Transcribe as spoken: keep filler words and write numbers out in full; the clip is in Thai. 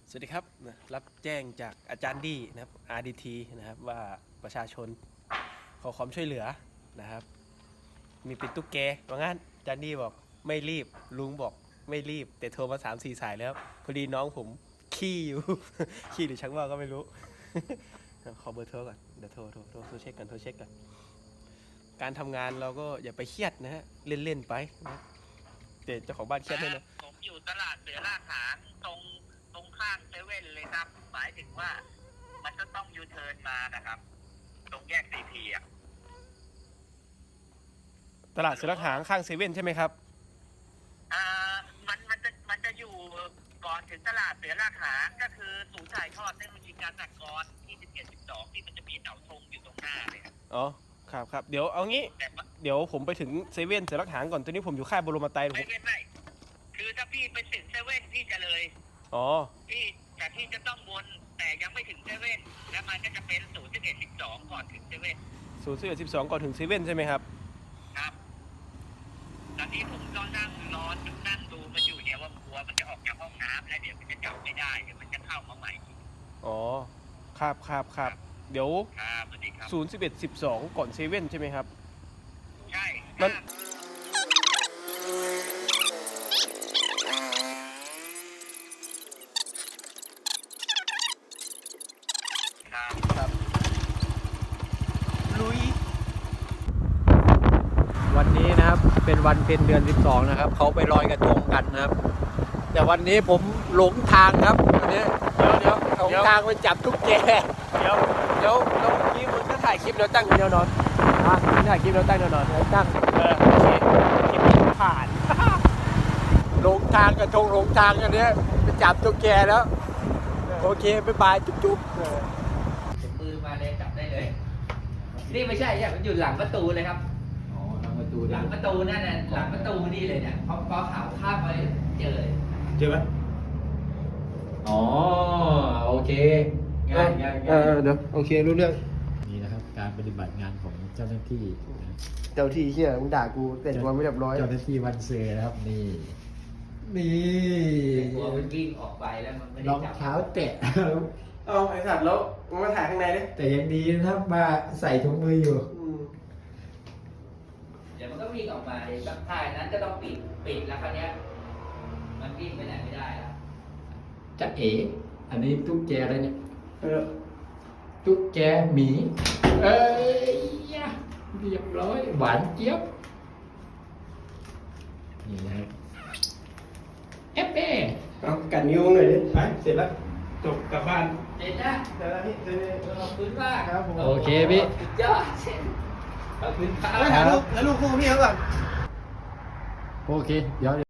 สวัสดีครับรับแจ้งจากอาจารย์ดีนะครับ อาร์ ดี ที นะครับว่าประชาชนขอความช่วยเหลือนะครับมีปิดตุ๊กแกว่างั้นอาจารย์ดีบอกไม่รีบลุงบอกไม่รีบแต่โทรมาสามสี่สายแล้วพอดีน้องผมขี้อยู่ ขี้หรือชักว่าก็ไม่รู้ ขอเบอร์โทรก่อนเดี๋ยวโทรโทรโทรโทรเช็คกันโทรเช็คกันการทำงานเราก็อย่าไปเครียดนะฮะเล่นๆไปนะแต่เจ้าของบ้านเครียดด้วยนะผมอยู่ตลาดเสือลาดหางตรงตรงข้างเซเว่นเลยครับหมายถึงว่ามันจะต้องยูเทิร์นมานะครับตรงแยกซีพีอ่ะตลาดเสือหางข้างเซเว่นใช่ไหมครับอ่ามันมันจะมันจะอยู่ก่อนถึงตลาดเสือลาดหางก็คือศูนย์ถ่ายทอดเทคโนโลยีการจักรที่สิบเอ็ดสิบสองที่มันจะมีเสาธงอยู่ตรงหน้าเลยครับอ๋อครับครับเดี๋ยวเอางี้เดี๋ยวผมไปถึงเซเว่นเสือหางก่อนตอนนี้ผมอยู่ค่ายบรมไตรไม่ไม่ไม่คือถ้าพี่ไปถึงเซเว่นพี่จะเลยอ๋อพี่แต่พี่จะต้องวนแต่ยังไม่ถึงเซเว่นแล้วมันก็จะเป็นศูนย์สิบเอ็ดสิบสองก่อนถึงเซเว่นศูนย์สิบเอ็ดสิบสองก่อนถึงเซเว่นใช่ไหมครับครับตอนนี้ผมก็นั่งรอนั่งดูมันอยู่เนี่ยว่ากลัวมันจะออกจากห้องน้ำแล้วเดี๋ยวมันจะจับไม่ได้เดี๋ยวมันจะเข้ามาใหม่อ๋อครับครับครับเดี๋ยวครับสวัสดีครับศูนย์สิบเอ็ดสิบสองก่อนเซเว่นใช่ไหมครับใช่มันครับครับลุยวันนี้นะครับเป็นวันเพ็ญเดือนสิบสองนะครับเขาไปลอยกระทงกันนะครับแต่วันนี้ผมหลงทางครับวันนี้เดี๋ยวเดี๋ยวหลงทางไปจับตุ๊กแกเดี๋ยวเดี๋ยวแล้วเมื่อกี้มึงก็ถ่ายคลิปแล้วตั้งแนวนอนอ่ะถ่ายคลิปแล้วตั้งแนวนอนแล้วตั้งเออโอเคคลิปผ่านหลงทางกระทงหลงทางกันเนี้ยไปจับตุ๊กแกแล้วโอเคบ๊ายบายจุ๊บจุ๊บปืนมาเลยจับได้เลยนี่ไม่ใช่ใช่มันอยู่หลังประตูเลยครับอ๋อหลังประตูหลังประตูนั่นน่ะหลังประตูนี่เลยเนี่ยพอพอข่าวข้ามไปเจอเลยเจอไหมอ๋อโอเคง่ายง่ายเออเดี๋ยวโอเครู้เรื่องนี่นะครับการปฏิบัติงานของเจ้าหน้าที่เจ้าที่เชี่ยมึงด่ากูแต่งตัวไม่เรียบร้อยเจ้าหน้าที่วันเสือนะครับนี่นี่กลัวมันวิ่งออกไปแล้วมันไม่ได้รองจับเท้าแตะเอาไอ้สัตว์แล้วมึงมาถ่ายข้างในดิแต่ยังดีนะครับมาใส่ถุงมืออยู่เดี๋ยวมันก็วิ่งออกมาเดี๋ยวท่ายนั้นก็ต้องปิดปิดแล้วคราวเนี้ยมันวิ่งไปไหนไม่ได้แล้วจะเอ๋อันนี้ตุ๊กแกอะไรเนี่ยเออตุ๊กแกหมีเอ้ยยะเรียบร้อยหวานเจี๊ยบนี่นะครับเอฟเอเอากัดนิ้วหน่อยดิไปเสร็จแล้วจบกลับบ้านเด็ดนะเสร็จแล้วพี่เสร็จแล้วขอบคุณมากครับผมโอเคพี่สุดยอดขอบคุณครับแล้วถ่ายรูปแล้วรูปคู่พี่เขาก่อนโอเคเดี๋ยว